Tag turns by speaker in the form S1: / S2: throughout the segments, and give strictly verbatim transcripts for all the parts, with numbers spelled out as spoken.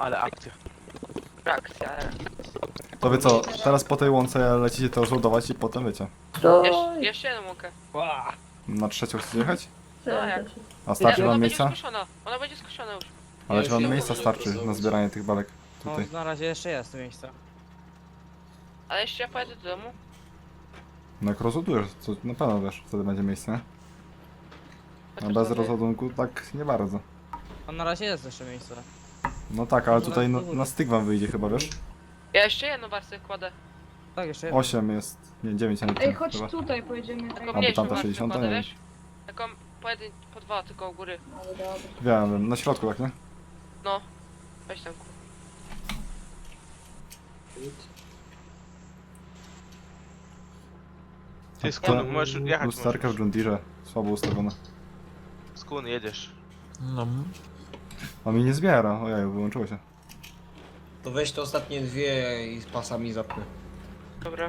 S1: Ale akcja.
S2: Akcja.
S3: To wy co, teraz po tej łące lecicie to rozładować i potem wiecie.
S4: To...
S2: Jeszcze, jeszcze jedną łąkę.
S3: Na trzecią chcecie jechać?
S2: No jak?
S3: A starczy
S2: Ona
S3: wam
S2: będzie
S3: miejsca?
S2: skuszona. Ona będzie skuszona już.
S3: Ale czy wam
S5: Ja już
S3: miejsca
S5: nie
S3: starczy
S5: mogę
S3: na zbieranie tych belek
S6: No,
S3: tutaj?
S6: na razie jeszcze jest tu miejsce.
S2: Ale jeszcze ja pojadę do domu.
S3: No jak rozładujesz, to na pewno wiesz, wtedy będzie miejsce, nie? A
S2: Chociaż
S3: bez
S2: sobie-
S3: rozładunku tak nie bardzo.
S6: A na razie jest jeszcze miejsce.
S3: No tak, ale tutaj na, na styk wam wyjdzie chyba, wiesz?
S2: Ja jeszcze jedną warstwę kładę.
S6: Tak, jeszcze jedno.
S3: osiem jest, nie, dziewięć, a nie
S4: Ej,
S3: ten
S4: chodź
S3: chyba.
S4: tutaj, pojedziemy.
S2: Taką
S3: bo
S2: mniejszą
S3: tamta
S2: warstwę
S3: sześćdziesiąta,
S2: kładę,
S3: nie?
S2: wiesz? Taką po, jedyn, po dwa tylko u góry.
S4: Ale dobra.
S3: Wiem, wiem, na środku tak, nie?
S2: No. Weź tam.
S1: Ty skun, możesz jechać
S3: Lusterka w
S1: możesz.
S3: John Deere, słabo ustawiona.
S1: Skun, jedziesz.
S7: No.
S3: A mi nie zbiera, ojej, wyłączyło się.
S5: To weź te ostatnie dwie i z pasami zapnę.
S2: Dobra.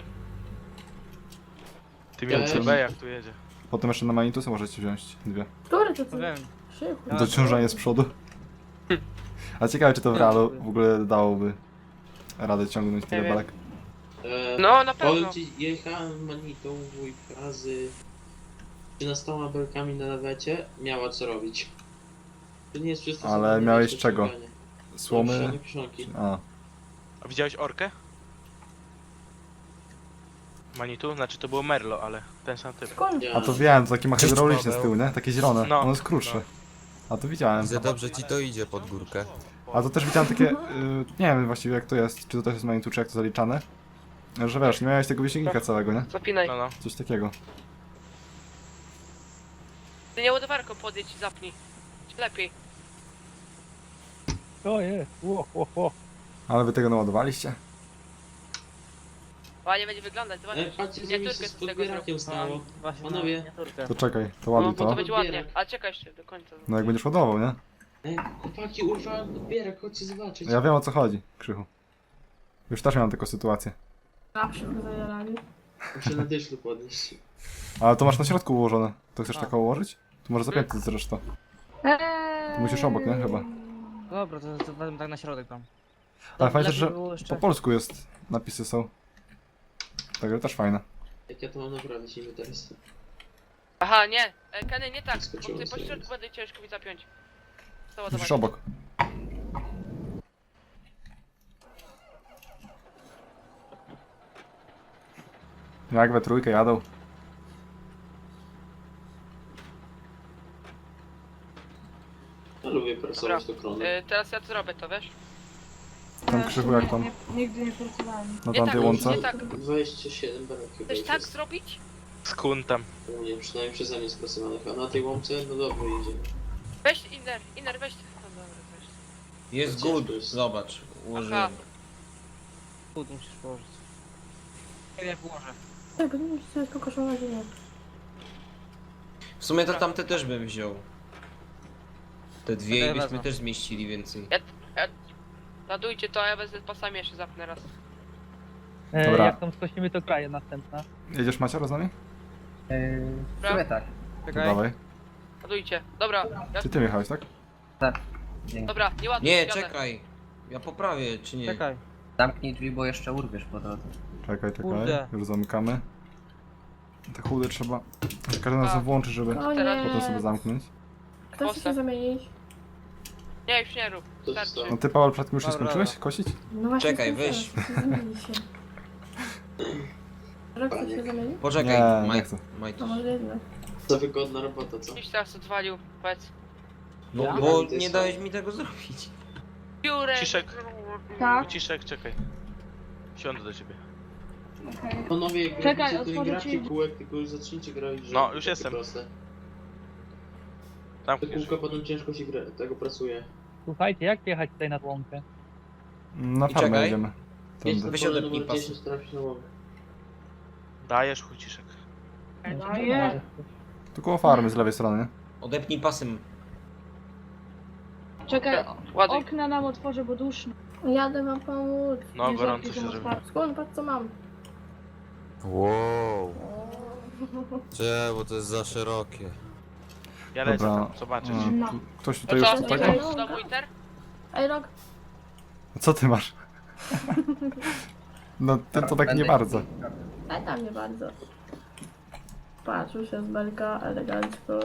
S1: Ty miał C B jak tu jedzie.
S3: Potem jeszcze na Manitusy możecie wziąć dwie.
S4: Który to
S6: To
S4: ty?
S6: wiem.
S4: Krzychu.
S6: Ja-
S3: Dociążanie z przodu. A ciekawe czy to w realu w ogóle dałoby radę ciągnąć tyle
S2: wiem.
S3: belek.
S8: E,
S2: No, na pewno.
S8: Powiem ci, jechałem manitą wuj razy trzynastoma belkami na lawecie, miała co robić. To nie jest przystosowane
S3: Ale
S8: do
S3: miałeś
S8: wiecie,
S3: czego?
S8: ściągania.
S3: Słomy?
S8: Kieszonki, kieszonki.
S3: A,
S1: A widziałeś orkę? Manitu? Znaczy to było Merlo, ale ten sam typ.
S4: Skąd?
S8: Ja-
S3: a to wiem, to takie ma hydrauliczne z tyłu, nie? Takie zielone,
S1: No.
S3: ono jest krótsze. A to widziałem.
S7: Za dobrze ci to idzie pod górkę.
S3: A to też widziałem takie, y, nie wiem właściwie jak to jest, czy to też jest Manitu, czy jak to zaliczane. Że wiesz, nie miałeś tego wysięgnika całego, nie?
S2: Zapinaj.
S1: No no.
S3: Coś takiego.
S2: Ty nie ładowarką podjedź i zapnij. Lepiej.
S9: To jest, ło, ło, ło.
S3: Ale wy tego naładowaliście?
S2: Ładnie będzie wyglądać,
S8: E,
S2: zobaczysz.
S8: patrzcie, co mi
S2: Miniaturkę
S8: się
S2: z
S8: z
S2: tego
S8: podbierakiem
S2: zrobię.
S8: stało.
S6: Właśnie na
S8: Panowie.
S6: miniaturkę.
S3: To czekaj, to
S2: No,
S3: ładuj
S2: bo to
S3: to.
S2: będzie ładnie. Ale czekaj jeszcze do końca.
S3: No jak będziesz ładował, nie?
S8: Ej, chłopaki, urwałem podbierak, chodźcie zobaczyć.
S3: Ja wiem o co chodzi, Krzychu. Już też miałem taką sytuację.
S4: Zawsze go zajarali.
S8: Muszę na dyszlu podnieść.
S3: Ale to masz na środku ułożone. To chcesz
S6: A.
S3: taką ułożyć? Tu może zapięty zresztą.
S4: Eee.
S3: Tu musisz obok, nie? Chyba.
S6: Dobra, to, to będę tak na środek tam.
S3: Ale fajnie,
S6: Lepiej
S3: że
S6: było jeszcze-
S3: po polsku jest, napisy są. Także też fajne.
S8: Jak ja to mam naprawić niby teraz?
S2: Aha, nie. E, Kenny, nie tak. Bo
S8: Skoczyło
S2: ty po
S8: sobie.
S2: środku będę ciężko mi zapiąć. To
S3: Musisz
S2: ładować.
S3: obok. Jak we trójkę jadą.
S8: Ja lubię pracować do
S2: Dobra.
S8: kronu.
S2: E, teraz ja to zrobię to, wiesz?
S3: Tam Krzychu jak tam
S4: Nie, nigdy nie pracowałem.
S3: na
S2: Nie
S3: tamtej
S2: tak,
S3: łące.
S2: nie tak.
S8: dwadzieścia siedem belek chyba
S2: Chcesz
S8: już
S2: tak
S8: jest.
S2: zrobić?
S1: Skun tam.
S8: U mnie, przynajmniej przeze mnie spracowanych. A na tej łące, no dobrze idzie.
S2: Weź inner, inner weź. No dobra, weź.
S5: Jest
S8: Ciężko
S5: good,
S8: jest.
S5: zobacz.
S2: Aha.
S5: Ułożyłem.
S6: Chód musisz położyć. Ja położę.
S4: Tak, nie wiem, czy to jest kokoszą na ziemię.
S5: W sumie to tamte też bym wziął. Te dwie
S6: Ja
S5: i byśmy
S6: wezmę.
S5: też zmieścili więcej.
S2: Ładujcie to, a ja wezmę pasami jeszcze zapnę raz.
S9: E,
S3: Dobra.
S9: jak tam skosimy, to kraje następna.
S3: Jedziesz Maciaro z nami?
S9: E,
S2: Dobra,
S9: tak.
S3: To
S6: Czekaj.
S3: dawaj.
S2: ładujcie. Dobra, ja,
S3: Czy ty jechałeś, tak?
S2: dobra, nie ładuj,
S5: Nie,
S2: jadę.
S5: czekaj. Ja poprawię, czy nie?
S6: Czekaj.
S10: Zamknij drzwi, bo jeszcze urwiesz po drodze.
S3: Czekaj, czekaj.
S6: Kurde.
S3: Już zamykamy. Te chudy trzeba za każdym razem
S2: A.
S3: włączyć, żeby
S4: O
S2: Teraz
S3: potem sobie
S4: nie.
S3: zamknąć.
S4: Kto chce się zamienić?
S2: Nie, już nie rób.
S8: To
S2: Starczy.
S8: zostało.
S3: No ty Paweł przed tym już nie
S6: Dobra,
S3: skończyłeś
S6: dobra.
S3: kosić?
S4: No właśnie.
S5: Czekaj,
S4: chcę
S5: weź.
S4: teraz, chcę zamienić się. Rok chce się zamienić?
S5: Poczekaj,
S3: Nie, nie
S5: Maj,
S3: chcę.
S5: Maj.
S4: To może jednak.
S8: Za wygodna robota, co?
S2: Gdzieś teraz odwalił, powiedz.
S5: No,
S8: Ja?
S5: bo
S8: Ty
S5: nie
S8: sam.
S5: dałeś mi tego zrobić.
S2: Piórek.
S1: Ciszek.
S4: Tak.
S1: Ciszek, czekaj. Siądę do ciebie.
S4: Okej.
S8: Panowie, jak
S4: Czekaj,
S8: robicie, to nie
S4: otworzę
S8: gracie
S4: ci-
S8: kółek, tylko już zacznijcie grać, że
S1: No, już
S8: takie
S1: jestem.
S8: Proste. Te
S1: Zamkniesz.
S8: kółka potem ciężko się gra, tego pracuje.
S9: Słuchajcie, jak jechać tutaj nad łąkę?
S3: Na
S5: I
S3: farmę
S5: czekaj.
S3: jedziemy.
S8: Jedź
S3: Tędy.
S8: na
S5: Weź
S8: pole
S5: odepnij
S8: numer
S5: pasy.
S8: dziesięć, trafisz na łomę.
S1: Dajesz chuj ciszek.
S4: Daję.
S3: Tu koło farmy z lewej strony, nie?
S5: Odepnij pasem.
S4: Czekaj,
S2: Ładuj.
S4: okna nam otworzę, bo duszno. Jadę wam pomóc.
S1: No,
S4: Nie
S1: gorąco
S4: żartuj,
S1: się
S4: że
S1: zrobi.
S4: masz skąd, patrz co mam.
S7: Wow. Cze, bo to jest za szerokie.
S1: Ja lecę
S3: Dobra.
S1: tam, zobaczysz.
S3: A,
S4: No.
S3: tu- Ktoś
S2: To
S3: tutaj już
S2: co,
S3: chce
S2: nie
S3: tego?
S2: wchodzisz do domu inter?
S4: Ej, Rok,
S3: Co ty masz? No ten to tak nie bardzo.
S4: A tam nie bardzo. Patrz, już jest belka, elegancko.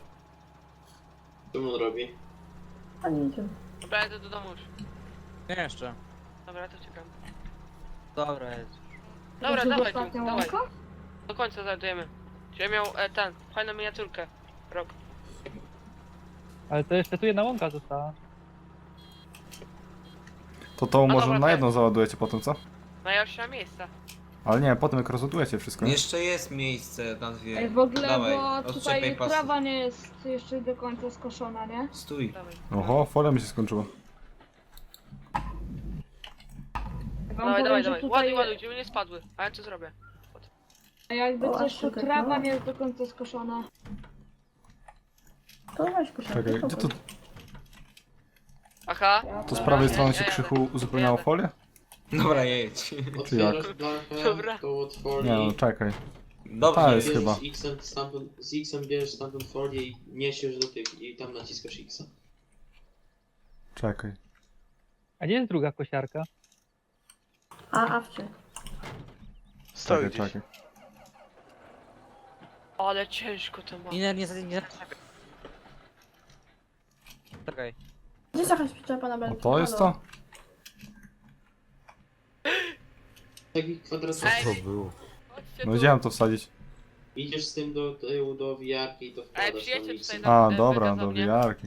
S8: Co on robi?
S4: A niczym.
S2: Dobra, jadę do domu już.
S6: Nie jeszcze.
S2: Dobra, to czekam.
S6: Dobra, jest.
S2: Dobra,
S4: To już
S2: dawaj,
S4: ostatnia
S2: tu, dawaj.
S4: łąka?
S2: Do końca znajdujemy. Czy miał e, ten, fajną miniaturkę. Rok.
S9: Ale to jeszcze tu jedna łąka została.
S3: To to
S2: No
S3: może
S2: dobra,
S3: na
S2: to-
S3: jedną załadujecie potem, co?
S2: No ja już nie mam miejsca.
S3: Ale nie, potem jak rozładujecie wszystko, nie?
S5: Jeszcze jest miejsce na dwie.
S4: Ej, w ogóle,
S5: Dawaj,
S4: bo
S5: odczepiaj
S4: tutaj
S5: pasy.
S4: trawa nie jest jeszcze do końca skoszona, nie?
S5: Stój.
S2: Dawaj.
S3: Oho, folia mi się skończyła.
S4: Ja wam
S2: Dawaj,
S4: powiem,
S2: dawaj,
S4: że
S2: dawaj.
S4: tutaj
S2: Ładuj, ładuj, żeby nie spadły. A ja co zrobię?
S4: jakby O, coś, aż to
S2: tak,
S4: trawa
S2: no.
S4: nie
S3: pęknęła.
S4: jest do końca skoszona. To weź koszarkę.
S3: Czekaj, gdzie to,
S2: Aha.
S3: to z
S2: Dobra,
S3: prawej
S2: ja-
S3: strony
S2: ja
S3: się
S2: jadę.
S3: krzychu uzupełniało
S2: jadę.
S3: folię?
S5: Dobra, jedź.
S3: Czy jak?
S8: Otwierasz blachę,
S2: Dobra.
S8: to od folii.
S3: Nie no, czekaj.
S5: Dobrze,
S3: Ta jest
S8: bierzesz
S3: chyba.
S8: X-em stamtąd, z X-em bierzesz stamtąd folię i niesiesz do tych i tam naciskasz X-a.
S3: Czekaj.
S9: A gdzie jest druga kosiarka?
S4: A, awcie.
S1: Stoi
S3: Czekaj,
S1: gdzieś.
S3: czekaj.
S2: Ale ciężko to ma.
S6: Iner nie nie zaczepiaj. Czekaj.
S4: Gdzie jest jakaś przyczepa na
S3: O
S4: belki?
S3: to jest
S4: Halo?
S3: to?
S8: Taki kwadratowy.
S2: Ej,
S7: Co to było?
S2: Chodźcie
S3: No
S2: tu.
S3: gdzie mam to wsadzić?
S8: Idziesz z tym do tyłu, do wiarki i to
S2: Ej,
S8: wkładasz
S2: przyjedźcie
S8: tam
S2: tutaj
S8: X-em.
S2: do-
S3: A,
S2: e,
S3: dobra,
S2: wydadzą
S3: do
S2: mnie.
S3: wiarki.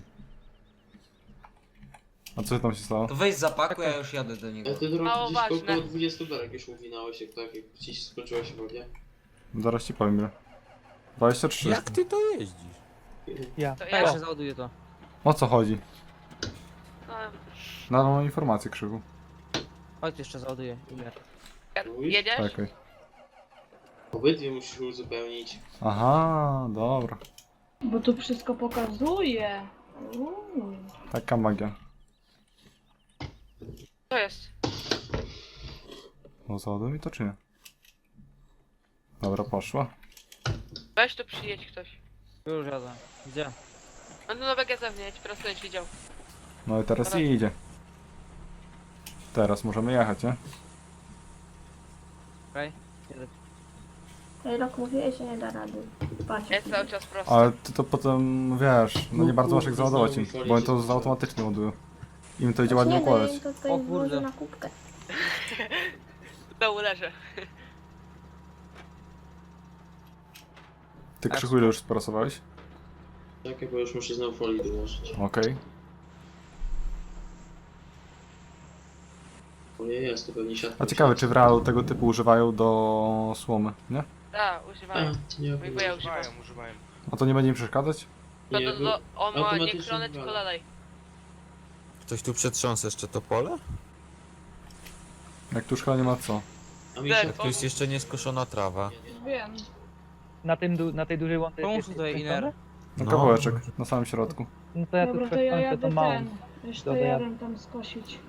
S3: A co tam się stało?
S5: To weź zapakuj, a ja już jadę do niego.
S8: Ale ty
S2: Mało
S8: drogi gdzieś
S2: ważne.
S8: około dwudziestu berek już uwinałeś, jak tak, jak ci skończyła się wodzie.
S3: Zaraz ci powiem ile. dwadzieścia trzy.
S7: Jak ty to jeździsz?
S9: Ja.
S2: To
S6: Ja
S2: ja.
S6: jeszcze załaduję to.
S3: O co chodzi?
S2: No,
S3: Na nową informację krzyku.
S6: Chodź jeszcze załaduję. Iner.
S2: jedziesz?
S3: Czekaj.
S8: Obydwie musisz uzupełnić.
S3: Aha, dobra.
S4: Bo tu wszystko pokazuje. Uuu.
S3: Taka magia.
S2: To jest.
S3: No załaduj mi to czy nie? Dobra, poszła.
S2: Weź tu przyjedź ktoś.
S6: Już jadę. Gdzie?
S2: No no dobra, ja zewnątrz, teraz będziesz widział.
S3: No i teraz
S2: Dobra.
S3: idzie. Teraz możemy jechać, nie?
S6: Okej. Jedę.
S4: Ej, rok mówiłeś, że nie da rady. Patrz.
S2: Jest cały czas prosto.
S3: Ale ty to potem, wiesz, no nie
S8: No
S3: bardzo masz jak
S8: kurde,
S3: załadować
S8: znowu
S3: im,
S8: mi folię
S3: bo oni
S8: się
S3: to
S8: zepsuła.
S3: automatycznie ładują. Im to idzie
S4: Znaczy,
S3: ładnie
S4: nie, no,
S3: układać.
S4: ja to
S6: O
S4: tutaj
S6: kurde.
S4: włożę na kubkę.
S2: W dołu leżę.
S3: Ty krzyku ile już sprasowałeś?
S8: Czekaj, bo już muszę znowu folii dołożyć.
S3: Okej.
S8: Folia jest, to pewnie siatka.
S3: A ciekawe, czy w realu tego typu używają do słomy, nie?
S2: Tak, używają.
S8: A, nie,
S2: Mój wuja używa.
S1: Używają, używają.
S3: A to nie będzie im przeszkadzać?
S2: To,
S8: nie,
S2: to, to, on ma nie
S8: automatycznie
S2: kronę, tylko
S8: wywala.
S2: dalej.
S7: Ktoś tu przetrząsa jeszcze to pole?
S3: Jak tu już chyba nie ma co.
S8: A mi
S2: Tak,
S8: się...
S7: Jak tu jest jeszcze nieskoszona trawa?
S4: Wiem.
S9: Na, tym, du- na tej dużej łące
S6: Pomóż
S9: jest
S6: tutaj,
S9: skończone?
S6: Iner.
S3: No
S7: No.
S3: kawałeczek, na samym środku.
S9: No to ja tu
S4: Dobra, to ja
S9: skończę
S4: jadę
S9: tą małą.
S4: ten. Jeszcze
S9: Dobra, ja-
S4: jadę tam skosić.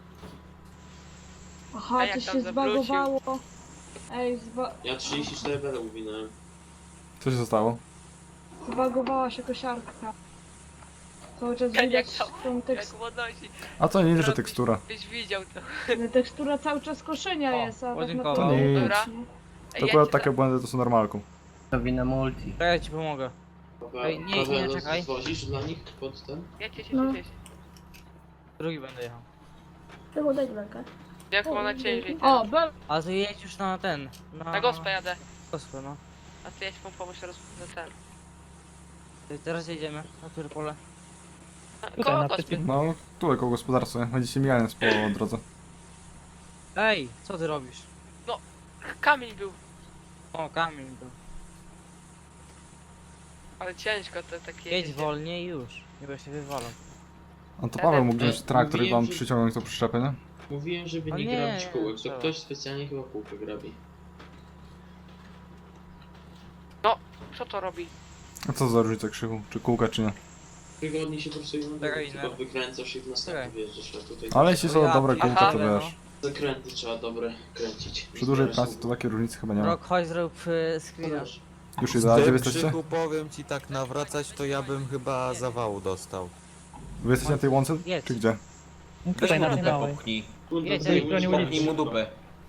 S4: Aha,
S2: A jak
S4: coś
S2: tam
S4: się
S2: zawrócił?
S4: zbagowało. Ej, zba
S8: Ja trzydzieści cztery bele uwinąłem.
S3: Co się zostało?
S4: zbagowała się kosiarka. Cały czas
S2: Jak
S4: widać
S2: tam-
S4: tą
S2: Jak
S4: tekst
S2: podnosi.
S3: A to nie, że tekstura.
S2: Byś widział to.
S4: tekstura cały czas koszenia
S6: O,
S4: jest, a tak
S6: podziękował.
S3: To nie.
S2: Dobra.
S3: To
S2: Ej,
S3: akurat
S2: jedźcie
S3: takie błędy to są normalką.
S10: To wina multi.
S6: To ja ci pomogę.
S8: Dobra,
S6: Ej, nie,
S8: Paweł,
S6: nie,
S8: no,
S6: czekaj.
S8: zwozisz dla nich pod ten?
S2: tam. Jedźcie się,
S4: No.
S2: jedźcie się.
S6: Drugi będę jechał.
S4: Tylko daj belkę.
S2: Jak ma na ciężej.
S4: O, bel...
S6: A ty jedź już na ten. Na,
S2: Na gospę jadę.
S6: Gospę, no.
S2: A ty jedź mu pomóc roz... za ten.
S6: To teraz jedziemy. Na które pole?
S9: Tutaj
S2: Koło
S9: na
S2: gospy.
S9: przeciw...
S3: No, tu jako gospodarstwo, nie? Będziecie mijane po drodze.
S6: Ej, co ty robisz?
S2: Kamień był.
S6: O, kamień to.
S2: Ale ciężko to takie.
S6: Jedź
S2: jeździcie.
S6: wolniej i już. Nie będę się wywalał.
S3: A to Paweł mógł
S8: Ej,
S3: wziąć traktor i
S8: mówiłem,
S3: wam
S8: że-
S3: przyciągnąć tą przyczepę, nie?
S8: Mówiłem, żeby
S6: O
S8: nie,
S6: nie,
S8: grabić kółek, to
S6: trzeba.
S8: ktoś specjalnie chyba kółkę grabi.
S2: Co to robi?
S3: A co za różnica krzyku? Czy kółka, czy nie?
S8: Wygodniej się po prostu
S6: Czekaj,
S8: chyba
S6: no.
S8: wykręcasz i w następny
S6: Czekaj.
S8: wjeżdżasz, a tutaj...
S3: Ale jeśli są
S6: Ja
S3: dobre
S6: pierdolę,
S3: kółka, to
S6: no.
S3: wiesz.
S8: Zakręty trzeba dobre kręcić.
S3: Przy dużej pracy to takiej różnicy chyba nie ma.
S6: Rok, chodź zrób y, screena.
S8: Wiesz,
S3: Już ile, a gdzie wy
S7: Z
S3: jesteście?
S7: krzyku powiem ci tak nawracać, to ja bym chyba zawału dostał.
S3: Wy jesteście na tej łące?
S6: Jedź.
S3: Czy gdzie?
S9: No
S5: Weź
S9: tutaj
S5: mu
S9: na tej
S5: dupę
S9: małej.
S5: popchnij.
S8: Kurde,
S6: Jedź,
S8: tutaj
S6: jedź,
S8: ulicy.
S9: ulicy.
S5: Popchnij mu dupę.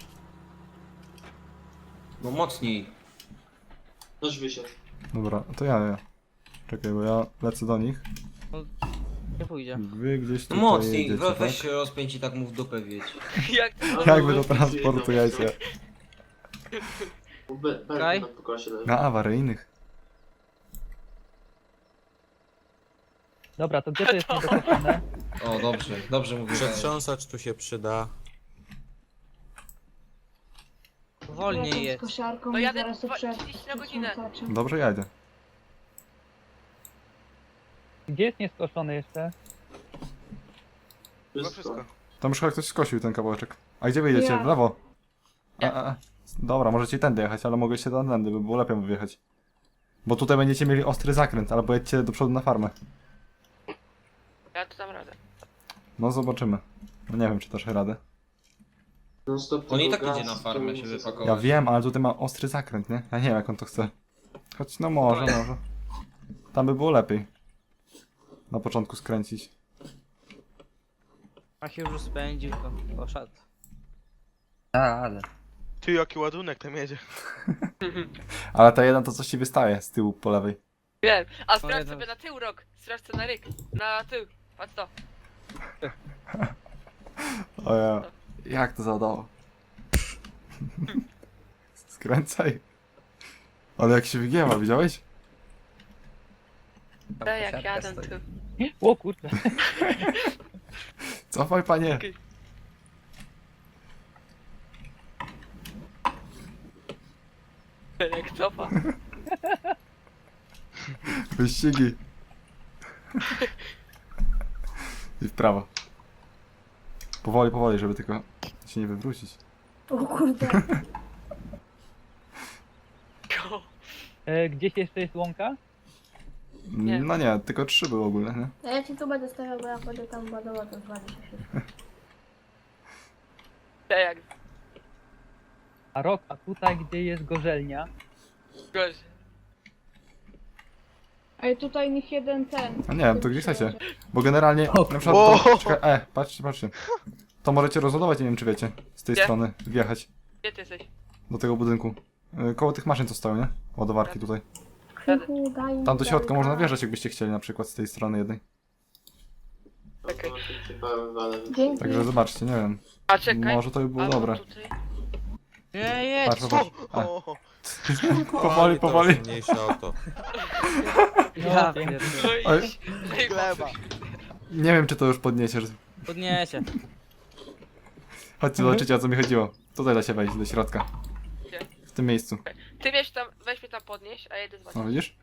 S5: No mocniej.
S8: Noż wysiadł.
S3: Dobra, to ja, ja. Czekaj, bo ja lecę do nich.
S6: Nie pójdzie.
S3: Wy gdzieś
S5: No
S3: tutaj
S5: mocniej,
S3: jedziecie,
S5: we,
S3: tak?
S5: weź się rozpięć i tak mu w dupę wiedź.
S2: Jak to?
S3: Jak wy to transportujecie?
S8: Be, be,
S6: Kaj?
S8: na pokosie leży.
S3: Na awaryjnych.
S9: Dobra, to gdzie to jest niedokończone?
S5: O, dobrze, dobrze mówię.
S7: Przetrząsacz tu się przyda.
S6: Wolniej jest.
S2: No jadę dwa- trzydzieści na godzinę.
S3: Dobrze jadę.
S9: Gdzie jest nieskoszony jeszcze?
S1: Chyba
S8: Wszystko.
S1: wszystko.
S3: Tam już chyba ktoś skosił ten kawałeczek. A gdzie wy jedziecie? W lewo? A, a, a. Dobra, możecie tędy jechać, ale mogę się tędy, by było lepiej wyjechać. Bo tutaj będziecie mieli ostry zakręt, albo jedźcie do przodu na farmę.
S2: Ja to dam radę.
S3: No zobaczymy. No nie wiem, czy też radę.
S8: Non stop
S5: On i
S8: tylko
S5: tak
S8: gaz,
S5: idzie na
S8: to
S5: farmę
S8: nie
S5: się
S8: chce
S5: wypakować.
S3: Ja wiem, ale tutaj ma ostry zakręt, nie? Ja nie wiem, jak on to chce. Choć no może, może. Tam by było lepiej. Na początku skręcić.
S6: A się już spędził, to poszedł.
S10: Tak, ale.
S1: Ty, jaki ładunek tam jedzie.
S3: Ale ta jedna to coś ci wystaje z tyłu po lewej.
S2: Wiem. A sprawdź
S6: jeden.
S2: sobie na tył rok. Sprawdź co na ryk. Na tył. Patrz to.
S3: O ja. Jak to zadało? Skręcaj. Ale jak się wygięła, widziałeś?
S2: Daj jak jadę tu.
S9: O kurde.
S3: Cofaj, panie.
S2: Jak cofa.
S3: Wyścigi. I w prawo. Powoli, powoli, żeby tylko się nie wywrócić.
S4: O kurde.
S9: E, gdzieś jeszcze jest łąka?
S2: Nie.
S3: No nie, tylko trzy były ogólne, nie?
S4: A ja ci tu będę stawiał, bo ja będę tam ładował, to zwali się wszystko.
S2: Daj jak
S9: A rok, a tutaj gdzie jest gorzelnia?
S2: gość.
S4: Ej, tutaj niech jeden ten.
S3: A nie wiem, to gdzie chcecie. Bo generalnie, na przykład,
S1: O!
S3: to, czekaj, e, patrzcie, patrzcie. To możecie rozładować, nie wiem czy wiecie, z tej
S2: Gdzie?
S3: strony, wjechać
S2: Gdzie ty jesteś?
S3: do tego budynku. Y, Koło tych maszyn co stoją, nie? Ładowarki tutaj.
S4: Krzychu, daj mi
S3: Tam do środka
S4: belka.
S3: można wjeżdżać, jakbyście chcieli, na przykład z tej strony jednej.
S2: Czekaj.
S4: Dzięki.
S3: Także zobaczcie, nie wiem,
S2: A czekaj.
S3: może to by było
S2: Albo
S3: dobre.
S2: tutaj.
S6: Nie, jedź!
S3: Patrz, popatrz. A,
S1: O,
S3: powoli,
S7: to
S3: powoli.
S7: już Mniejsze auto.
S6: Ja
S9: No,
S6: pierdolę.
S2: No
S3: Oj.
S2: i...
S1: gleba.
S3: Nie wiem, czy to już podniesie. że-
S6: Podniesie.
S3: Chodźcie, zobaczycie, o co mi chodziło. Tutaj da się wejść, do środka.
S2: Gdzie?
S3: W tym miejscu.
S2: Ty weź tam, weź mnie tam podnieść, a jedę z
S3: No
S2: wami.
S3: widzisz?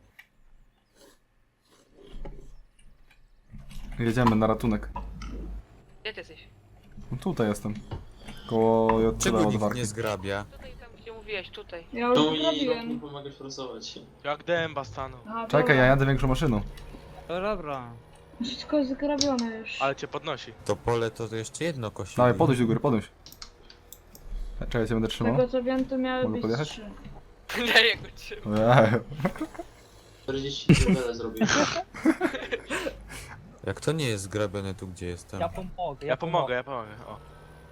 S3: Jedziemy na ratunek.
S2: Gdzie ty jesteś?
S3: No tutaj jestem. Koło J trzy
S7: Czego nikt
S3: ładowarki.
S7: nie zgrabia?
S2: Tutaj tam gdzie mówiłeś, tutaj.
S4: Ja już
S8: To i rok mi
S4: zrobiłem.
S8: pomagasz forsować.
S1: Jak dęba stanął.
S4: Aha,
S3: Czekaj,
S4: dobra.
S3: ja jadę większą maszyną.
S6: To dobra.
S4: Wszystko jest zrobione już.
S1: Ale cię podnosi.
S7: To pole to jeszcze jedno kosi.
S3: Dawaj, podejść do góry, podejść. Czekaj, ja cię będę trzymał.
S4: Tego co wiem, to miały
S3: Mogę
S4: być
S3: podjechać?
S4: trzy.
S2: Daj jak go trzymam.
S3: Ojej.
S8: czterdzieści tyle zrobiłem.
S7: Jak to nie jest zgrabione tu, gdzie jestem?
S9: Ja pomogę.
S1: Ja pomogę, ja pomogę. O.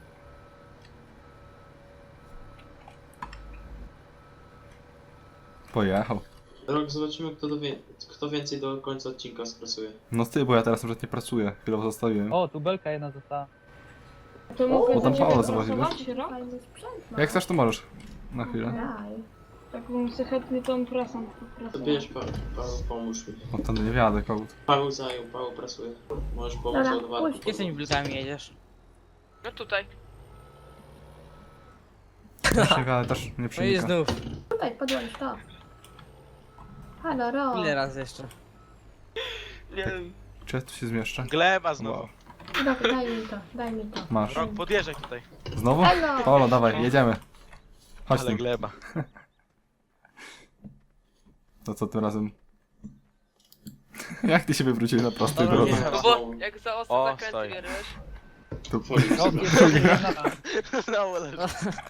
S3: Pojechał.
S8: Rok, zobaczymy kto, do wie... kto więcej do końca odcinka skrasuje.
S3: No ty, bo ja teraz nawet nie pracuję. Chwilowo zostawiłem.
S9: O, tu belka jedna została.
S4: To mogę
S3: bo tam
S4: za ciebie
S3: Paolo zobaczy,
S4: pracować, rok?
S3: Jak chcesz, to możesz. Na chwilę.
S4: Daj. Tak bym sobie chętnie tą prasą
S8: To
S4: popracował.
S8: bierz Paweł, Paweł pomóż mi.
S3: O, tam nie wiadę, kogut.
S8: Paweł zajął, Paweł pracuje. Możesz pomóc
S4: Dobra,
S8: ładowarką.
S4: puść.
S6: Gdzie z tymi blokami jedziesz?
S2: No tutaj.
S3: Też nie wiadę, też nie
S6: No i
S3: przenika.
S6: znów.
S4: Tutaj, podłącz to. Halo, ro.
S6: Ile razy jeszcze?
S2: Nie wiem.
S3: Czy ja tu się zmieszczę?
S1: Gleba znowu.
S3: Wow.
S4: Dobra, daj mi to, daj mi to.
S3: Masz.
S1: Rok, podjeżdżaj tutaj.
S3: Znowu?
S4: Halo!
S3: Paolo, dawaj, jedziemy. Chodź
S1: Ale
S3: tym.
S1: gleba.
S3: To co tym razem? Jak ty się wywróciłeś na prostej
S6: Dobra,
S3: drodze?
S6: nie.
S2: No bo jak za ostro
S1: O,
S2: zakręty
S1: stoi.
S2: bierzesz.
S3: To...
S9: Rok jest jedna.
S1: Znowu leży.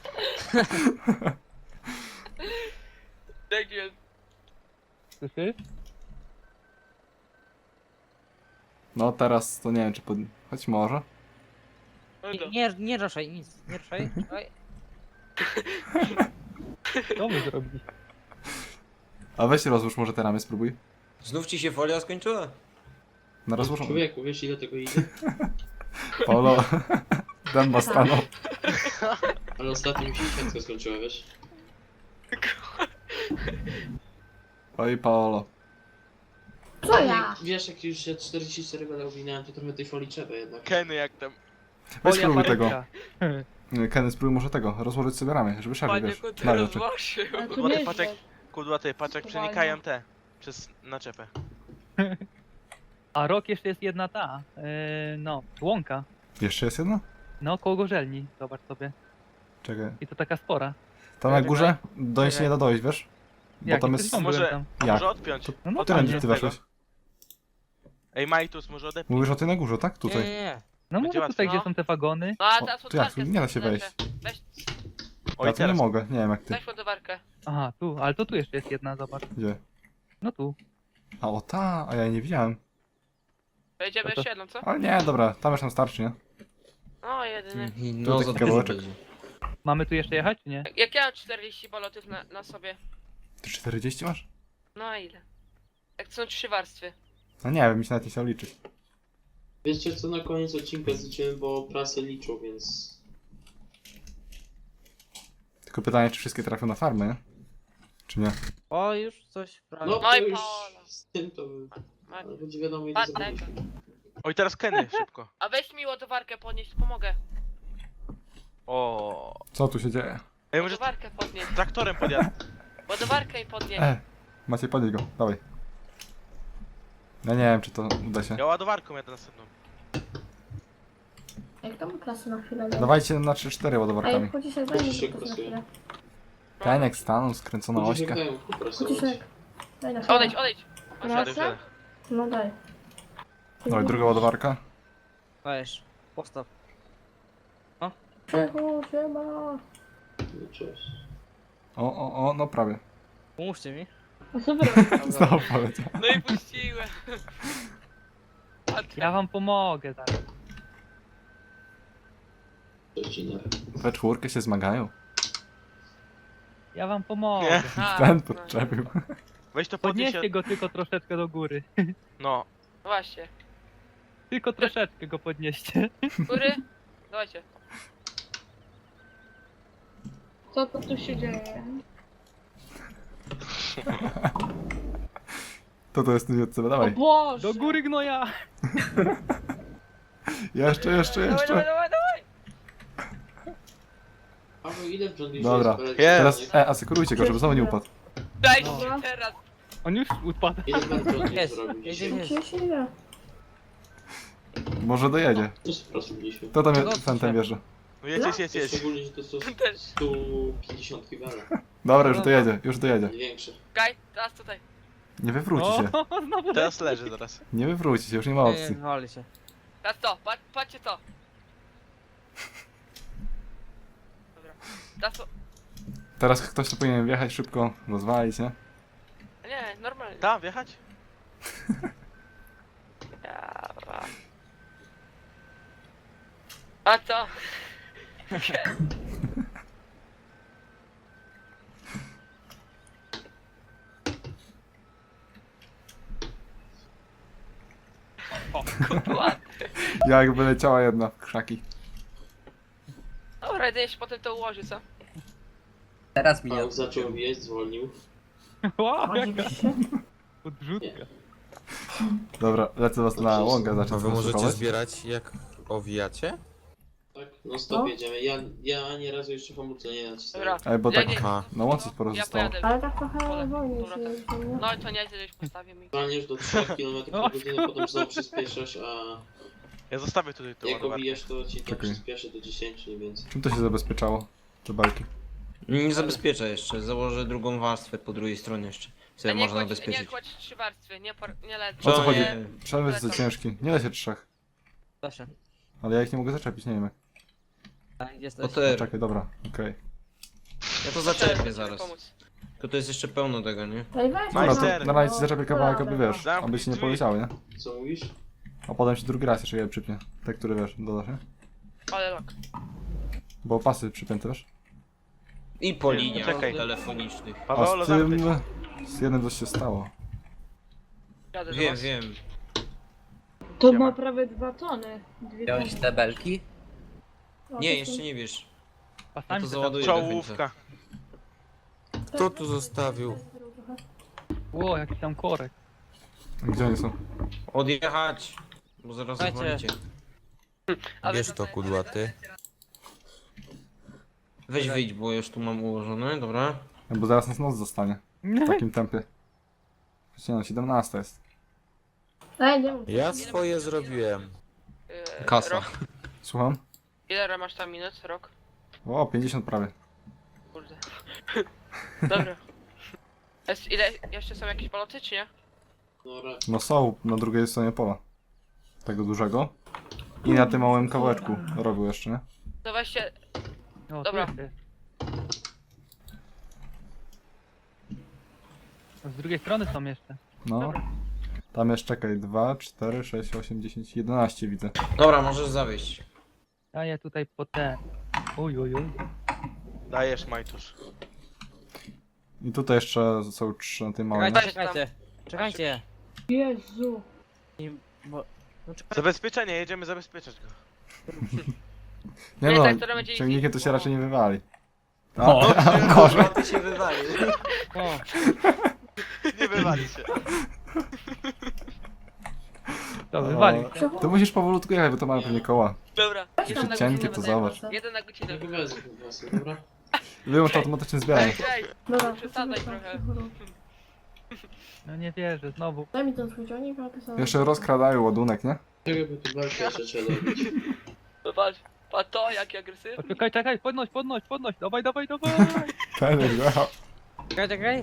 S2: Tak jest.
S9: Słyszysz?
S3: No teraz to nie wiem czy pod... Choć może.
S2: Oj,
S6: Nie, nie, nie ruszaj, nic, nie ruszaj. Oj.
S9: Co my zrobiliśmy?
S3: A weź rozłóż może te ramy, spróbuj.
S5: Znów ci się folia skończyła?
S3: Na rozłóż.
S8: Człowieku, wiesz ile tego idzie?
S3: Paulo. Dęba stanął.
S8: Ale ostatnio mi się świętko skończyła, wiesz?
S3: Oj, Paolo.
S4: Co ja?
S8: Wiesz, jak już się czterdzieści cztery będę owinąłem, to trochę tej folii trzeba jednak.
S1: Kenny jak tam.
S3: Weź
S9: Folia
S3: spróbuj tego.
S9: paryka.
S3: Kenny, spróbuj może tego, rozłożyć sobie ramię, żeby szafie,
S2: Panie
S3: wiesz,
S2: kuty
S3: należy.
S2: rozłożył.
S4: Ale to
S1: Kudłaty
S4: nieźle.
S1: paczek, kudłaty paczek przenikają te. Przez naczepę.
S9: A rok jeszcze jest jedna ta, yy, no, łąka.
S3: Jeszcze jest jedna?
S9: No, koło gorzelni, zobacz sobie.
S3: Czekaj.
S9: I to taka spora.
S3: Tam na górze do niej się nie da dojść, wiesz? Bo
S9: Jak,
S3: tam
S9: jak
S3: jest...
S9: tam
S1: Może-
S9: byłem tam.
S1: A
S3: Jak?
S1: może odpiąć?
S9: No, no
S3: Tyle,
S9: tam
S3: gdzie
S9: jest.
S3: ty weszłeś.
S1: Ej, Majtus, może odepnij.
S3: Mówisz o tej na górze, tak?
S6: Nie,
S3: Tutaj.
S6: nie, nie.
S9: No
S1: Będzie
S9: może tutaj,
S2: łatwiej.
S9: gdzie są te wagony.
S2: No a
S3: O,
S2: teraz
S3: to jak?
S2: ładowarkę
S3: Nie da się
S2: lecę.
S3: wejść.
S2: Weź,
S1: Oj,
S3: Ja tu nie
S1: teraz.
S3: mogę, nie wiem jak ty.
S2: weź ładowarkę.
S9: Aha, tu, ale to tu jeszcze jest jedna, zobacz.
S3: Gdzie?
S9: No tu.
S3: A o ta, a ja jej nie widziałem.
S2: Wejdziemy
S9: No to-
S2: jeszcze jedną, co?
S3: Ale nie, dobra, tam już nam starczy, nie?
S2: O, jedyny.
S5: No
S3: taki
S5: za dużo
S3: kawałeczek.
S5: będzie.
S9: Mamy tu jeszcze jechać, czy nie?
S2: Jak ja mam czterdzieści balotów na, na sobie.
S3: Ty czterdzieści masz?
S2: No a ile? Jak to są trzy warstwy.
S3: No nie wiem, mi się nawet nie chciał liczyć.
S8: Wiecie co, na koniec odcinka zliczyłem, bo prasę liczą, więc...
S3: Tylko pytanie, czy wszystkie trafią na farmę, nie? Czy nie?
S6: O, już coś
S8: No
S6: prawie.
S2: No
S8: to
S2: i
S8: już
S2: Paolo.
S8: z tym to...
S2: Ma-
S8: Ale będzie wiadomo ile
S2: Patrz,
S8: zrobić.
S1: Oj, teraz Kenny, szybko.
S2: A weź mi ładowarkę podnieść, pomogę.
S1: O.
S3: Co tu się dzieje?
S1: Ej, może
S2: Ładowarkę podnieść.
S1: traktorem podjadę.
S2: Ładowarkę i podnieść.
S3: E, Maciej, podnieś go, dawaj. Ja nie wiem, czy to uda się.
S1: Ja ładowarką jadę następną.
S4: Jak tam klasy na chwilę? nie?
S3: Dawajcie na trzy cztery ładowarkami.
S4: Ej, Chudziszek, daj mi
S8: Chudziszek
S4: klasy na
S8: pracuje.
S4: chwilę.
S3: Kenek stanął, skręcona
S8: Ludzie
S3: ośka.
S8: wydają kuprasować.
S4: Chudziszek, daj na chwilę.
S2: Odejdź, odejdź.
S1: Wsiadę,
S4: Proszę?
S1: wsiadę.
S4: No daj.
S3: Dawaj, druga ładowarka.
S6: Weź, postaw.
S4: Krzychu, siema.
S8: No, cześć.
S3: O, o, o, no prawie.
S6: Pomóżcie mi.
S4: No super.
S3: Znowu poleciał.
S2: No i puściłem.
S9: Ja wam pomogę zaraz.
S8: Odcinek.
S3: We czwórkę się zmagają.
S9: Ja wam pomogę.
S1: Nie.
S2: A,
S3: Ten
S2: no.
S3: podczepił.
S1: Weź to podnieś.
S9: Podnieście go tylko troszeczkę do góry.
S1: No.
S2: Właśnie.
S9: Tylko troszeczkę go podnieście.
S2: Góry? Dawajcie.
S4: Co to tu się dzieje?
S3: To to jest od ciebie, dawaj.
S4: Boże!
S9: Do góry gnoja!
S3: Jeszcze, jeszcze,
S2: Dawaj, dawaj,
S3: jeszcze.
S2: dawaj, dawaj.
S8: Paweł, ile w John Deere
S3: Dobra.
S8: jest belek?
S1: Jest.
S3: E, asekurujcie go, żeby znowu nie upadł.
S2: Daj
S9: No.
S2: się teraz.
S9: On już upadł.
S8: Ile belek John Deere
S6: Jest,
S8: zrobił
S6: jest,
S8: dzisiaj?
S6: jest.
S4: Gdzie się nie?
S3: Może dojedzie.
S8: To jest po prostu mieliśmy.
S3: To tam
S6: No,
S3: jest, ten, ten wierzy.
S1: No jedź, jedź, jedź, jedź.
S8: Szczególnie, że to są
S2: Też.
S8: sto pięćdziesiąt belek.
S3: Dobra, już dojedzie, już dojedzie.
S8: Największe.
S2: Gaj, teraz tutaj.
S3: Nie wywróci się.
S9: O, znowu
S1: Teraz leży zaraz.
S3: Nie wywróci się, już nie ma
S6: Nie,
S3: opcji.
S6: nie, wali się.
S2: Teraz to, patrz, patrzcie to. Dobra. Teraz to.
S3: Teraz ktoś tu powinien wjechać szybko, rozwalić, nie?
S2: Nie, normalnie.
S1: Tam, wjechać?
S2: Ja, a co? O, kurwa.
S3: Jakby leciała jedna w krzaki.
S2: Dobra, jedynie się potem to ułoży, co?
S10: Teraz mi nie
S8: Paweł zaczął jeść, zwolnił.
S9: Wow, jaka
S4: Oczywiście.
S9: podrzutka.
S3: Dobra, lecę was na łąkę
S7: A
S3: zacząć
S7: wy możecie
S3: zastosować.
S7: zbierać jak owijacie?
S8: Tak, no stop
S4: No.
S8: jedziemy. Ja, ja ani razu jeszcze hamulca nie nacisnąłem.
S2: Dobra.
S3: Ej, bo
S2: Ja
S3: tak
S2: nie-
S7: Aha.
S3: na łące sporo
S2: Ja
S3: zostało.
S2: pojadę.
S4: Ale tak trochę
S2: Pole.
S4: wolniej
S2: Dobra,
S4: się
S2: tak.
S4: jeździ, nie?
S2: No i to nie jest, gdzieś postawię mi.
S8: Zwalniasz do trzech kilometrów na godzinę, potem znowu przyspieszasz, a
S1: Ja zostawię tutaj tą
S8: jak
S1: ładowarkę.
S8: owijesz, to ci to
S3: Czekaj.
S8: przyspieszy do dziesięciu, nie więcej.
S3: Czym to się zabezpieczało? Te belki.
S5: Nie zabezpieczę jeszcze, założę drugą warstwę po drugiej stronie jeszcze.
S2: A
S5: Sobie
S2: nie
S5: można
S2: kładź, nie
S5: zabezpieczyć.
S2: kładź trzy warstwy, nie, por, nie lecz.
S3: O co
S5: To
S3: chodzi?
S5: nie-
S3: Trzeba jest za ciężki. Nie da się trzech.
S6: Da się.
S3: Ale ja ich nie mogę zaczepić, nie wiem jak.
S6: A gdzie
S5: O
S6: jesteś?
S5: te,
S3: No, czekaj, dobra, okej.
S5: ja to
S2: Chcę
S5: zaczepię
S2: sobie
S5: zaraz.
S2: pomóc.
S5: Tylko to jest jeszcze pełno tego, nie?
S4: Ej, weź
S3: Dobra,
S1: Majster.
S3: to na razie ci zaczepię kawałek, aby wiesz,
S1: Zamknij
S3: aby się nie
S1: drzwi.
S3: poleciały, nie?
S8: Co mówisz?
S3: A potem się drugi raz jeszcze je przypnie. Te, które wiesz, dodasz, nie?
S2: Ale lok.
S3: Bo pasy przypięte, wiesz?
S5: I po liniach
S1: Czekaj.
S5: telefonicznych.
S3: A
S1: Paweolo,
S3: z tym...
S1: zamknij.
S3: Z jednym coś się stało.
S2: Jadę do
S5: Wiem,
S2: was.
S5: wiem.
S4: To
S1: Siema.
S4: ma prawie dwa tony. Dwie
S10: Wziąłeś te belki?
S4: O,
S5: Nie,
S4: to
S5: jeszcze
S4: są-
S5: nie wiesz. Ja
S9: Pasami
S5: to
S9: to tam...
S5: załaduję do końca.
S1: Czołówka.
S7: Kto tu zostawił?
S9: Ło, jaki tam korek.
S3: Gdzie oni są?
S5: Odjechać! Bo zaraz
S6: Słuchajcie.
S5: zwalicie.
S2: Ale
S7: Bierz to kudłaty.
S5: Weź wyjdź, bo już tu mam ułożone, dobra?
S3: Bo zaraz nas noc zostanie. W takim tempie. Przecież nie no, siedemnasta jest.
S4: Ej, nie mów.
S7: Ja swoje zrobiłem.
S2: Yy,
S5: Kasa.
S2: Rok.
S3: Słucham?
S2: Ile masz tam minut? Rok?
S3: O, pięćdziesiąt prawie.
S2: Kurde. Dobra. Jest, ile, jeszcze są jakieś baloty, czy nie?
S8: No ra-
S3: No są na drugiej stronie pola. Tego dużego. I na tym małym kawałeczku robił jeszcze, nie?
S2: To weźcie,
S9: No,
S2: Dobra.
S9: tu jest. Z drugiej strony są jeszcze.
S3: No.
S2: Dobra.
S3: Tam jest, czekaj, dwa, cztery, sześć, osiem, dziesięć, jedenaście widzę.
S5: Dobra, możesz zawieść.
S9: Daję tutaj po te. Uj, uj, uj.
S1: Dajesz, Majtusz.
S3: I tutaj jeszcze są trzy na tym małym.
S6: Czekajcie,
S2: Weź tam.
S6: czekajcie. Czekajcie.
S4: Jezu.
S6: Nie, bo... No czekajcie.
S1: Zabezpieczenie, jedziemy zabezpieczać go.
S3: Nie
S2: Nie,
S3: no,
S2: tak, to będzie
S3: ciągnikiem to się raczej nie wywali.
S9: O.
S3: A, gorzej.
S5: Ty się wywalił.
S6: O,
S1: Nie wywali się.
S9: To wywalił.
S3: O, To musisz powolutku jechać, bo to ma pewnie koła.
S2: Dobra,
S3: Jeśli
S2: jeden na
S3: cienkie,
S2: godzinę
S3: to
S2: będę.
S3: zobacz.
S2: Jeden na godzinę.
S8: Ja go wezmę po prostu, dobra?
S3: Wyłącz automatyczne zbieranie.
S2: Ej, ej,
S4: Dobra,
S2: przesadzaj
S4: to
S2: trochę.
S9: No nie wierzę, znowu.
S4: Daj mi ten swój ciągnik, a ty sobie...
S3: Jeszcze rozkradają ładunek, nie?
S8: Czego by tu belkę jeszcze trzeba robić?
S2: Zobacz, a to jaki agresywny.
S9: O, czekaj, czekaj, podnoś, podnoś, podnoś. Dawaj, dawaj, dawaj.
S3: Ten jechał.
S6: czekaj, czekaj.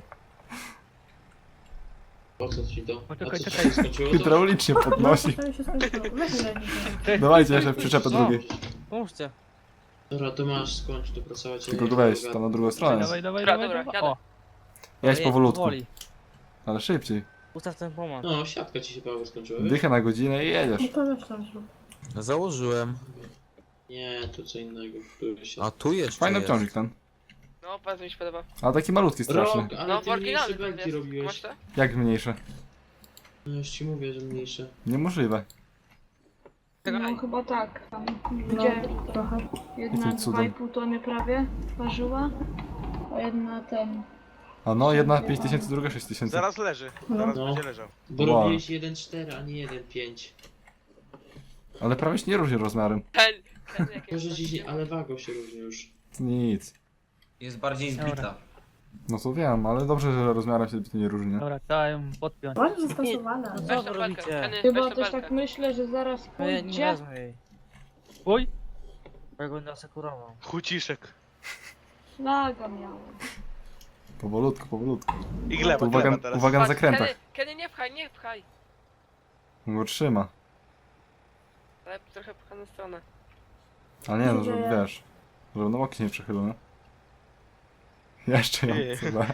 S8: Po co ci to?
S9: Poczekaj,
S8: A co ci
S9: czekaj.
S8: się skończyło? To?
S3: Hydraulicznie podnosi.
S4: No, to się skończyło. Weź mi daj mi.
S3: Dawajcie jeszcze przyczepę
S6: No.
S3: drugiej.
S6: Pomóżcie.
S8: Dobra, to masz, skończ tu pracować.
S3: Tylko go weź, tam na drugą stronę.
S9: Dawaj, dawaj,
S2: Dobra,
S9: dawaj,
S2: dobra,
S9: dawaj. O,
S3: Jedź
S6: Ej,
S3: powolutku,
S6: powoli.
S3: ale szybciej.
S6: Ustaw ten pomoc.
S8: No, siatka ci się Paweł skończyła, wiesz?
S3: Dychę na godzinę i jedziesz.
S4: No to weź tam zrób.
S7: Założyłem.
S8: Nie, to co innego. Który się...
S7: A tu jeszcze
S3: Fajny
S7: jest.
S3: ciągnik ten.
S2: No, bardzo mi się podoba.
S3: Ale taki malutki straszny.
S8: Rok, ale
S2: No,
S8: ty
S2: w oryginale
S8: mniejsze
S2: to
S8: belki
S2: jest. Masz
S8: robiłeś.
S2: to?
S3: Jak mniejsze?
S8: No już ci mówię, że mniejsze.
S3: Niemożliwe.
S6: Czekaj.
S11: chyba tak. Tam
S4: No,
S11: gdzie
S4: trochę.
S11: jedna
S3: Jakim cudem?
S11: dwa i pół tony prawie ważyła, a jedna ten.
S3: A no, jedna pięć tysięcy, druga sześć tysięcy.
S1: Zaraz leży. Zaraz
S8: No.
S1: będzie leżał.
S8: Bo
S3: Wow.
S8: robiłeś jeden cztery, a nie jeden pięć.
S3: Ale prawie się nie różni rozmiarem.
S2: Ten, ten jaki
S8: Może dziś, ale wagą się różni już.
S3: Nic.
S5: Jest bardziej zbita.
S9: Dobra.
S3: No to wiem, ale dobrze, że rozmiarem się zbytnio nie różni, nie?
S9: dobra, trzeba ją podpiąć.
S4: Ładnie zastosowane.
S6: No
S2: Weź
S6: co
S2: tą
S6: wy
S2: belkę,
S6: robicie?
S2: Kenny,
S11: Chyba
S2: weź tą
S11: też
S2: belkę.
S11: tak myślę, że zaraz
S6: No ja nie
S11: pójdzie.
S6: wezmę jej.
S9: Uj,
S6: Bo ja go będę asekurował.
S1: Chuciszek.
S11: Laga miałem.
S3: Powolutku, powolutku.
S1: I gleba,
S3: To uwaga,
S1: gleba teraz.
S3: uwaga na
S2: Patrz,
S3: zakrętach.
S2: Kenny, Kenny, nie pchaj, nie pchaj.
S3: Bo trzyma.
S2: Ale trochę pchane stronę.
S3: Ale nie no,
S4: Gdzie?
S3: żeby wiesz. Żeby na boki się nie przechylił, nie? Jeszcze ją
S1: Nie.
S3: chyba.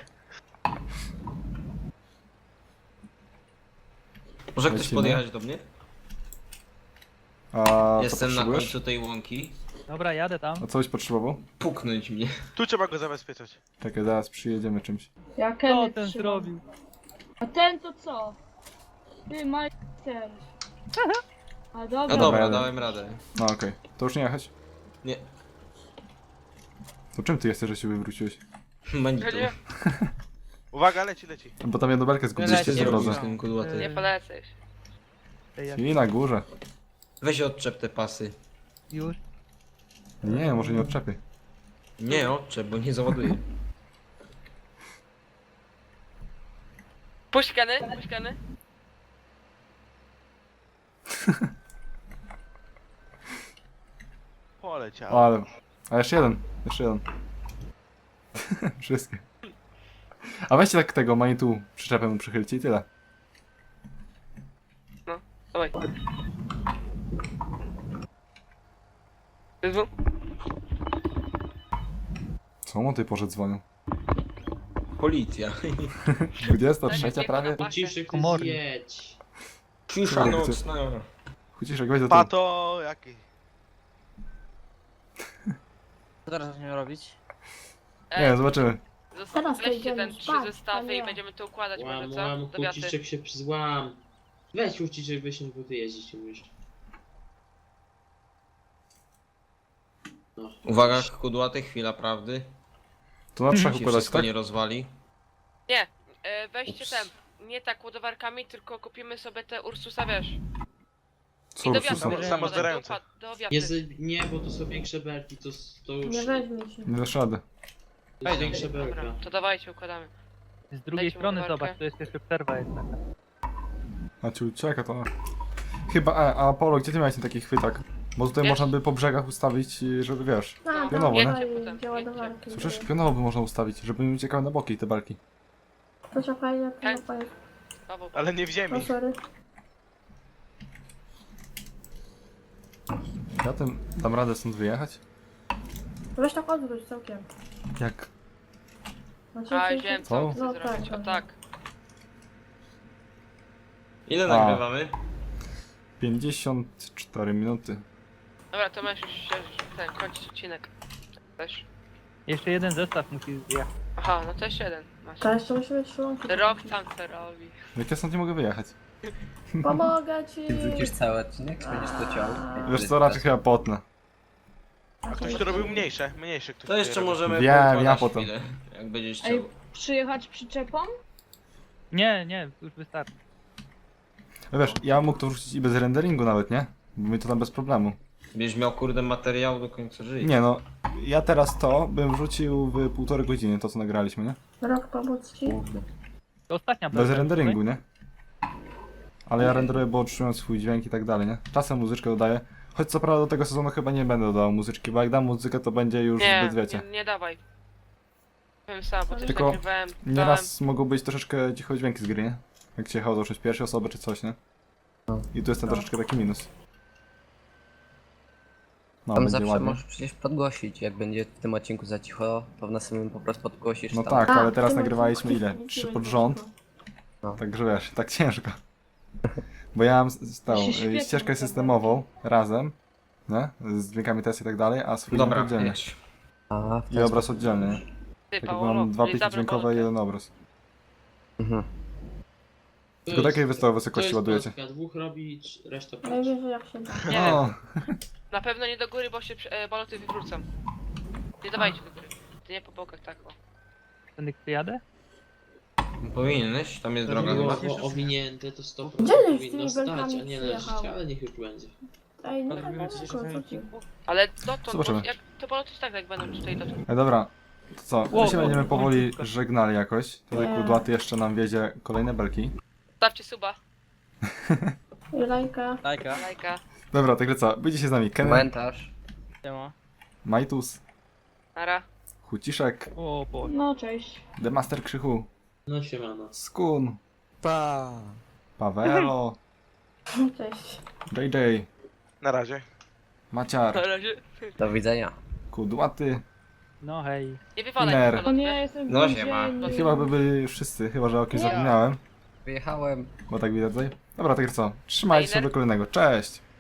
S5: Może ktoś
S3: Lecimy.
S5: podjechać do mnie?
S3: A co
S5: Jestem na
S3: potrzebujesz?
S5: końcu tej łąki.
S9: dobra, jadę tam.
S3: A coś potrzebował?
S5: Puknąć mnie.
S1: Tu trzeba go zabezpieczać.
S3: Czekaj, zaraz przyjedziemy czymś.
S11: Ja
S9: Co
S11: Kenny
S9: ten
S11: trzymam.
S9: zrobił?
S11: A ten to co? Ty majster. A
S5: No
S11: dobra.
S5: dobra,
S3: jadę.
S5: dałem radę.
S3: No okej. To już nie jechać?
S5: Nie.
S3: To czym ty jesteś, że się wywróciłeś?
S5: Manito.
S2: Kenny,
S1: Uwaga, leci, leci.
S3: Bo tam jedną belkę
S5: Coś ty
S3: zgubiliście w
S6: Leci,
S5: zrobił
S3: drodze.
S5: z tym kudłaty.
S2: nie polecę już.
S9: Ej, jak-
S3: I na górze.
S5: Weź odczep te pasy.
S9: Już.
S3: Nie, może nie odczepię.
S5: Nie odczep, bo nie załaduję.
S2: Puść Kenny, puść Kenny.
S1: Poleciał.
S3: O, ale... A jeszcze jeden. Jeszcze jeden. Wszystkie. A weźcie tak tego manitu przyczepę mu przychylcie i tyle.
S2: Dawaj. Wyzwól.
S3: Co o tej porze dzwonią?
S5: Policja.
S3: dwudziesta trzecia prawie?
S8: Ciszek, ty
S9: Komornik.
S8: zjedź.
S5: Cisza nocna.
S3: Chuciszek, weź do tyłu.
S1: Pato, jaki?
S6: Co teraz będziemy robić?
S3: Nie, zobaczymy.
S2: Zosta-
S4: Teraz to
S2: weźcie
S4: idziemy
S2: ten trzy
S4: spać, a
S2: zestawy
S4: nie.
S2: i będziemy to układać może,
S8: Łam,
S2: co?
S8: łam,
S2: Do wiaty.
S8: Huciczek się złam. Weź Huciczek, weź bo ty jeździć umiesz. No.
S5: Uwaga, kudłaty, chwila prawdy.
S3: To na trzech
S5: Ci
S3: układać,
S5: wszystko
S3: tak?
S5: nie rozwali.
S2: Nie, e, weźcie
S5: Ups.
S2: ten, nie tak ładowarkami, tylko kupimy sobie te Ursusa, wiesz.
S3: Co
S2: I do
S3: Ursusa?
S2: wiaty. będziemy
S1: Samozbierające.
S2: układ- Do wiaty.
S8: Nie, z- nie, bo to są większe belki, to, s- to już
S4: Nie weźmie się.
S3: Nie dasz rady.
S8: to jest większe belka.
S2: Dobra, to dawajcie, układamy.
S9: Z drugiej
S2: Dajcie
S9: strony
S2: ładowarkę.
S9: zobacz, to jest jeszcze przerwa jest taka.
S3: A ci ucieka to... Chyba, a, a Apollo, gdzie ty miałeś ten taki chwytak? Bo tutaj
S2: Wiesz?
S3: można by po brzegach ustawić, y, żeby wiesz...
S4: A,
S3: Pionowo,
S4: tam
S3: nie?
S4: stoi
S2: Potem,
S4: gdzie ładowarki.
S3: Słyszysz? Pionowo by można ustawić, żeby mi uciekały na boki te belki.
S4: Proszę fajnie,
S2: Tak.
S4: to fajnie.
S2: Paweł,
S1: Ale nie w
S4: O,
S1: ziemi.
S4: sorry.
S3: Ja tym dam radę stąd wyjechać?
S4: Weź tak odwróć całkiem.
S3: Jak?
S4: Znaczy,
S2: a
S4: czy-
S2: wiem
S3: Co?
S2: co chcę
S4: No
S2: zrobić,
S4: tak,
S2: o
S4: tak.
S2: tak.
S5: Ile
S3: A.
S5: nagrywamy?
S3: pięćdziesiąt cztery minuty.
S2: Dobra, to masz już się, ten, kończyć odcinek. Też.
S9: Jeszcze jeden zestaw musi zjechać.
S2: Aha, no to jeszcze jeden masz.
S4: To jeszcze musi być szlonki.
S2: Rok tam co robi.
S3: Jak ja stąd nie mogę wyjechać?
S4: Pomogę ci!
S10: Ty wrzucisz cały odcinek, czy będziesz to ciął?
S3: Wiesz co, raczej chyba potnę.
S1: A ktoś tu robił mniejsze, mniejsze ktoś
S5: To
S1: tu
S5: jeszcze
S1: robił.
S5: możemy
S3: Wiem,
S5: poukładać
S3: ja potem.
S5: chwilę, jak będziesz
S11: Ej,
S5: chciał.
S11: przyjechać przyczepą?
S9: Nie, nie, już wystarczy.
S3: No wiesz, ja mógł to wrzucić i bez renderingu nawet, nie? Bo mi to tam bez problemu.
S5: Będziesz miał kurde materiał do końca życia.
S3: Nie no, ja teraz to bym wrzucił w półtorej godziny, to co nagraliśmy, nie?
S4: Rok pomóc ci?
S9: To ostatnia
S3: Bez
S9: prawda,
S3: renderingu, nie? Ale ja renderuję, bo otrzymując swój dźwięk i tak dalej, nie? Czasem muzyczkę dodaję. Choć co prawda do tego sezonu chyba nie będę dodał muzyczki, bo jak dam muzykę to będzie już
S2: Nie,
S3: zbyt wiecie.
S2: nie, nie dawaj. Powiem sam, bo też
S3: Tylko
S2: nagrywałem, dałem.
S3: Nieraz mogą być troszeczkę cicho dźwięki z gry, nie? Jak się jechał z pierwszej osoby czy coś, nie? I tu jest ten troszeczkę taki minus. No,
S10: Tam
S3: będzie
S10: zawsze
S3: ładnie.
S10: możesz przecież podgłosić, jak będzie w tym odcinku za cicho, to w następnym po prostu podgłosisz
S3: No
S10: tam.
S3: tak,
S4: A,
S3: ale teraz
S4: ty masz
S3: nagrywaliśmy ile?
S4: taki
S3: Trzy
S4: dźwięk,
S3: pod rząd.
S10: No.
S3: Także wiesz, tak ciężko. Bo ja mam s- s- tą
S11: To się
S3: y,
S11: świetnie
S3: ścieżkę
S11: nazywa.
S3: systemową razem, nie? Z dźwiękami test i tak dalej, a swój
S5: Dobra,
S3: oddzielnie.
S5: jedź.
S10: A, w
S3: I
S10: ten
S3: obraz
S10: sposób.
S3: oddzielny, nie?
S2: Ty,
S3: Tak jakby
S2: Paolo,
S3: mam dwa
S2: nie
S3: pliki
S2: zabrał
S3: dźwiękowe i
S2: Paolo.
S3: jeden obraz.
S10: Mhm.
S8: To
S3: Tylko
S8: jest-
S3: takiej wystawy
S8: To
S3: wysokości
S8: jest
S3: ładujecie.
S8: paska, dwóch robi, trz- reszta patrz.
S4: Najwyżej jak się da.
S2: Nie,
S3: No,
S2: na pewno nie do góry, bo się prze- e, baloty wywrócą. Nie dawajcie do góry. Ty nie po bokach, tak o.
S9: Tędy przyjadę?
S5: Powinieneś, tam jest
S8: To
S5: droga
S8: było
S5: chyba.
S8: o- owinięte, to sto
S4: Gdzie
S8: procent
S4: żeś z
S8: powinno
S4: tymi
S8: stać,
S4: belkami
S8: a nie leżeć,
S4: przyjechał?
S8: ale niech już będzie.
S4: Ej, no
S6: Ale
S4: tak
S6: robimy coś jeszcze
S4: daleko,
S6: w tym
S4: co ty?
S6: odcinku?
S2: Ale dotąd,
S3: Zobaczymy.
S2: bo jak to baloty tak jak będą tutaj dotąd.
S3: e, dobra. To co, my
S9: Ło,
S3: się
S9: ło,
S3: będziemy
S9: ło,
S3: powoli
S9: króciutko.
S3: żegnali jakoś. Tutaj
S4: Nie.
S3: Kudłaty jeszcze nam wiedzie kolejne belki.
S2: Stawcie suba,
S4: I lajka.
S6: Lajka.
S2: lajka.
S3: Dobra, także co, będzie się z nami Kenny,
S10: Komentarz.
S6: Siema.
S3: Majtus,
S2: Nara.
S3: Huciszek,
S9: O Boże.
S11: No cześć.
S3: The Master Krzychu,
S8: No siemano.
S3: Skun,
S7: Pa!
S3: Pawelo,
S4: Cześć.
S3: J J,
S1: Na razie.
S2: Na
S3: Maciar,
S2: razie.
S10: Do widzenia.
S3: Kudłaty.
S9: No hej.
S2: Nie wywalaj
S3: Ner.
S2: tych
S11: O
S2: balotów,
S11: nie,
S2: wiesz?
S11: jestem w
S5: No
S11: więzieniu.
S5: siema.
S3: I chyba by byli już wszyscy, chyba że o kimś
S4: Nie.
S3: zapomniałem,
S10: Wyjechałem.
S3: bo tak widać tutaj. Dobra, także co, trzymajcie się
S2: Fajner.
S3: do kolejnego, cześć!